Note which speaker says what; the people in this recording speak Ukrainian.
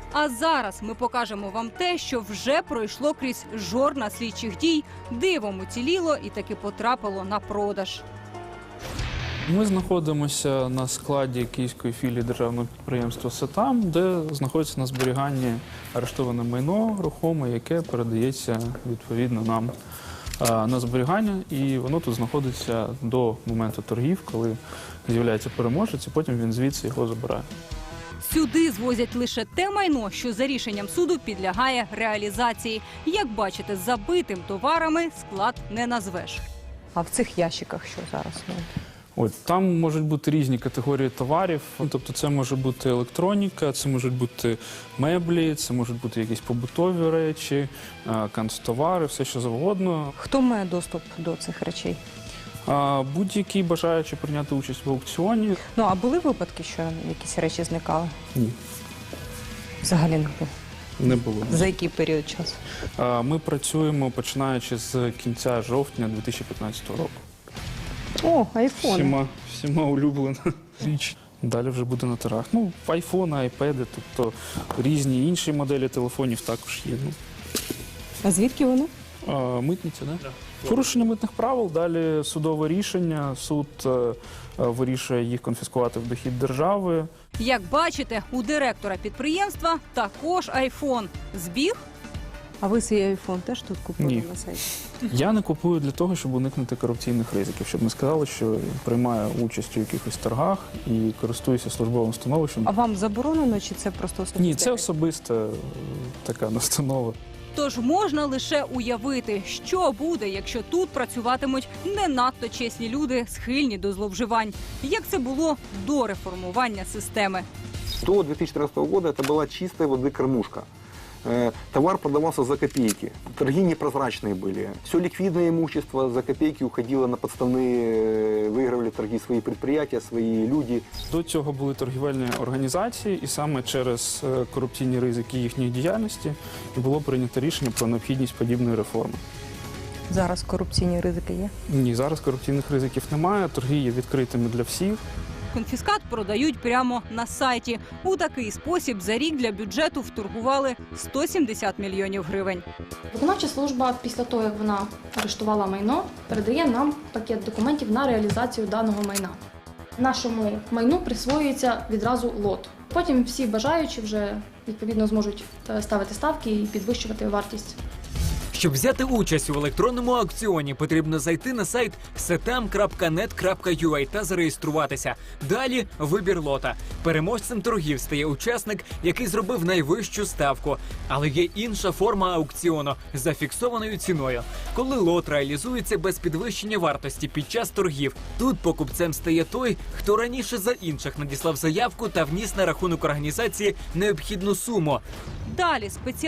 Speaker 1: А зараз ми покажемо вам те, що вже пройшло крізь жорна слідчих дій, дивом уціліло і таки потрапило на продаж.
Speaker 2: Ми знаходимося на складі київської філії державного підприємства «Сетам», де знаходиться на зберіганні арештоване майно рухоме, яке передається відповідно нам на зберігання. І воно тут знаходиться до моменту торгів, коли з'являється переможець, і потім він звідси його забирає.
Speaker 1: Сюди звозять лише те майно, що за рішенням суду підлягає реалізації. Як бачите, забитим товарами склад не назвеш.
Speaker 3: А в цих ящиках що зараз?
Speaker 2: От, там можуть бути різні категорії товарів, тобто це може бути електроніка, це можуть бути меблі, це можуть бути якісь побутові речі, канцтовари, все що завгодно.
Speaker 3: Хто має доступ до цих речей?
Speaker 2: Будь-який бажаючи прийняти участь в аукціоні.
Speaker 3: Ну, а були випадки, що якісь речі зникали?
Speaker 2: Ні.
Speaker 3: Взагалі не було?
Speaker 2: Не було.
Speaker 3: За який період часу?
Speaker 2: Ми працюємо починаючи з кінця жовтня 2015 року.
Speaker 3: О, айфони.
Speaker 2: Всіма улюблена річ. Далі вже буде на торгах. Ну, айфони, айпеди, тобто різні інші моделі телефонів також є.
Speaker 3: А звідки вони?
Speaker 2: Митниця, да? Порушення митних правил, далі судове рішення, суд вирішує їх конфіскувати в дохід держави.
Speaker 1: Як бачите, у директора підприємства також айфон. Збіг?
Speaker 3: А ви свій айфон теж тут купили
Speaker 2: Ні.
Speaker 3: на сайті?
Speaker 2: Я не купую для того, щоб уникнути корупційних ризиків, щоб не сказали, що приймаю участь у якихось торгах і користуюся службовим становищем.
Speaker 3: А вам заборонено, чи це просто особисте?
Speaker 2: Ні, це особиста така настанова.
Speaker 1: Тож можна лише уявити, що буде, якщо тут працюватимуть не надто чесні люди, схильні до зловживань. Як це було до реформування системи.
Speaker 4: До 2014 года это была чистой воды кормушка. Товар продавался за копейки. Торги непрозрачные были. Все ликвидное имущество за копейки уходило на подставные, выигрывали торги свои предприятия, свои люди.
Speaker 2: До цього були торгівельні організації, і саме через корупційні ризики їхньої діяльності було прийнято рішення про необхідність подібної реформи.
Speaker 3: Зараз корупційні ризики є?
Speaker 2: Ні, зараз корупційних ризиків немає, торги є відкритими для всіх.
Speaker 1: Конфіскат продають прямо на сайті. У такий спосіб за рік для бюджету вторгували 170 мільйонів гривень.
Speaker 5: Виконавча служба після того, як вона арештувала майно, передає нам пакет документів на реалізацію даного майна. Нашому майну присвоюється відразу лот. Потім всі бажаючі вже відповідно зможуть ставити ставки і підвищувати вартість.
Speaker 6: Щоб взяти участь у електронному аукціоні, потрібно зайти на сайт setam.net.ua та зареєструватися. Далі – вибір лота. Переможцем торгів стає учасник, який зробив найвищу ставку. Але є інша форма аукціону – за фіксованою ціною. Коли лот реалізується без підвищення вартості під час торгів, тут покупцем стає той, хто раніше за інших надіслав заявку та вніс на рахунок організації необхідну суму.
Speaker 1: Далі спеціально